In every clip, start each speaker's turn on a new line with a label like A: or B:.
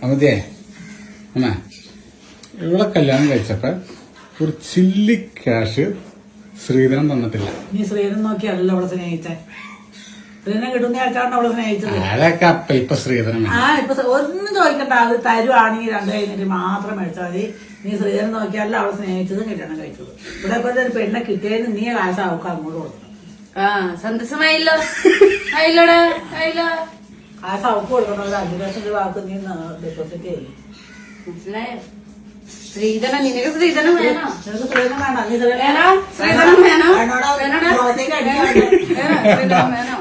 A: അമതിയേ അമ്മ ഇവിടെ കല്യാണം കഴിച്ചപ്പോ ഒരു ചില്ലി ക്യാഷ് ശ്രീധരൻ തന്നിട്ടില്ല.
B: നീ ശ്രീധരൻ നോക്കിയല്ലോ അവളെ സ്നേഹിച്ചേ. ശ്രീധരൻ കിട്ടുന്ന ആൾക്കാരാണ് അവളെ സ്നേഹിച്ചത്.
A: അതൊക്കെ അപ്പ ഇപ്പൊ ശ്രീധരൻ
B: ഇപ്പൊ ഒന്നും ചോദിക്കണ്ട. അത് തരുവാണെങ്കിൽ 2 കഴിഞ്ഞിട്ട് മാത്രം മേടിച്ചാൽ മതി. നീ ശ്രീധരൻ നോക്കിയാലോ അവളെ സ്നേഹിച്ചതും കല്യാണം കഴിച്ചത്. ഇവിടെ ഇപ്പൊ ഒരു പെണ്ണെ കിട്ടിയതിന് നീ കാശ് അവൾക്ക് അങ്ങോട്ട് കൊടുക്കണം.
C: സന്തോഷമായില്ലോ. ആയില്ലോടാ ആയില്ലോ.
B: കാശ് അവൾക്ക് കൊടുക്കണം. ഒരു 5 ലക്ഷം രൂപ അവർക്ക് നീ ഡെപ്പോസിറ്റ് ചെയ്യും.
C: മനസ്സിലായോ? ശ്രീധരൻ നിനക്ക് ശ്രീധരൻ വേണോ?
B: നിനക്ക് ശ്രീധരൻ വേണ്ട. നീ
C: ശ്രീധരൻ വേണോ?
B: മുഖത്തേക്ക് അടിക്കാൻ
C: ശ്രീധരൻ വേണോ?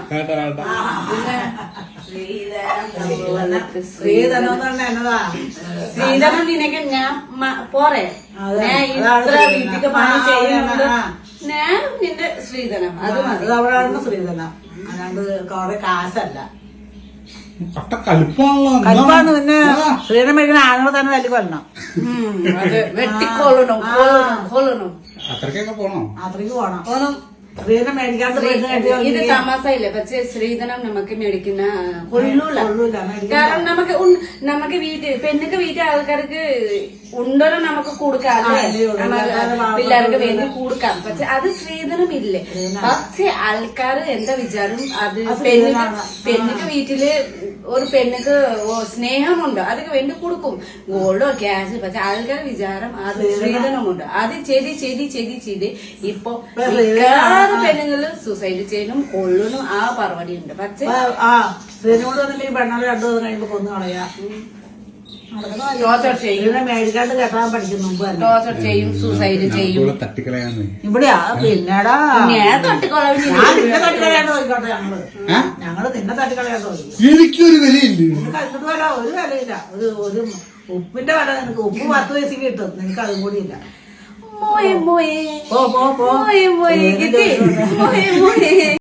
B: ശ്രീധരൻ എന്ന് പറഞ്ഞാൽ എന്നതാ?
C: ശ്രീധരൻ നിനക്ക് ഞാൻ പോരെ. ഞാൻ ഇത്ര വീട്ടിക്ക് പണി ചെയ്യുന്നുണ്ട്. ഞാൻ നിന്റെ ശ്രീധരൻ അത് മതി.
B: അവളാണ് ശ്രീധരൻ. അല്ലാണ്ട് കുറെ കാശല്ല.
A: കലിപ്പാണ്
B: പിന്നെ ശ്രീധരൻ മേടിക്കുന്ന ആണുങ്ങൾ തന്നെ തല്ലി കൊല്ലണം.
C: അത് വെട്ടിക്കൊള്ളണം കൊള്ളണം.
A: അത്രക്കൊക്കെ പോണോ?
B: അത്രയ്ക്ക് പോണം. ശ്രീധരൻ മേടിക്കാത്ത
C: ഇത് തമാസയില്ലേ? പക്ഷെ ശ്രീധരൻ നമുക്ക് മേടിക്കുന്ന കൊള്ളൂല. കാരണം നമുക്ക് പെണ്ണുക്ക് വീട്ടിൽ ആൾക്കാർക്ക് ഉണ്ടോ നമുക്ക് കൊടുക്കാം. പിള്ളേർക്ക് വേണ്ടി കൊടുക്കാം. പക്ഷെ അത് ശ്രീധരൻ ഇല്ലേ. പക്ഷെ ആൾക്കാർ എന്താ വിചാരം? അത് പെണ്ണുക്ക് വീട്ടില് ഒരു പെണ്ണുക്ക് സ്നേഹമുണ്ട്. അതൊക്കെ വേണ്ടി കൊടുക്കും. ഗോൾഡോ ക്യാഷ്. പക്ഷെ ആൾക്കാരുടെ വിചാരം അത് ശ്രീധരമുണ്ട്. അത് ചെയ്ത് ഇപ്പൊ പെണ്ണുങ്ങള് സൂസൈഡ് ചെയ്യണം കൊള്ളണം ആ പരിപാടി ഉണ്ട്. പക്ഷെ
B: ശ്രീധരനോട് വന്നില്ലെങ്കിൽ പെണ്ണാല് 2 ദിവസം കഴിയുമ്പോ കൊന്നു കളയാ. മേടിക്കാണ്ട് കെട്ടാൻ പഠിക്കും മുമ്പ്
C: ടോർച്ചർ ചെയ്യും സൂസൈഡ് ചെയ്യും.
B: ഇവിടെയാ. പിന്നെടാ
C: തട്ടിക്കൊള്ളാൻ
B: തട്ടിക്കളയാണ്ട് നോക്കിക്കോട്ടെ. ഞങ്ങള് നിന്നെ തട്ടിക്കളയാണ്ട് നോക്കി.
A: എനിക്കൊരു വിലയില്ല.
B: നിനക്ക് വില ഒരു വിലയില്ല. ഒരു ഉപ്പിന്റെ വില നിനക്ക്. ഉപ്പ് 10 പൈസക്ക് കിട്ടും. നിനക്ക് അതും കൂടി ഇല്ല.
C: മോയെ മോയെ
B: പോ
C: മോയെ മോയെ കിട്ടി മോയെ മോയെ.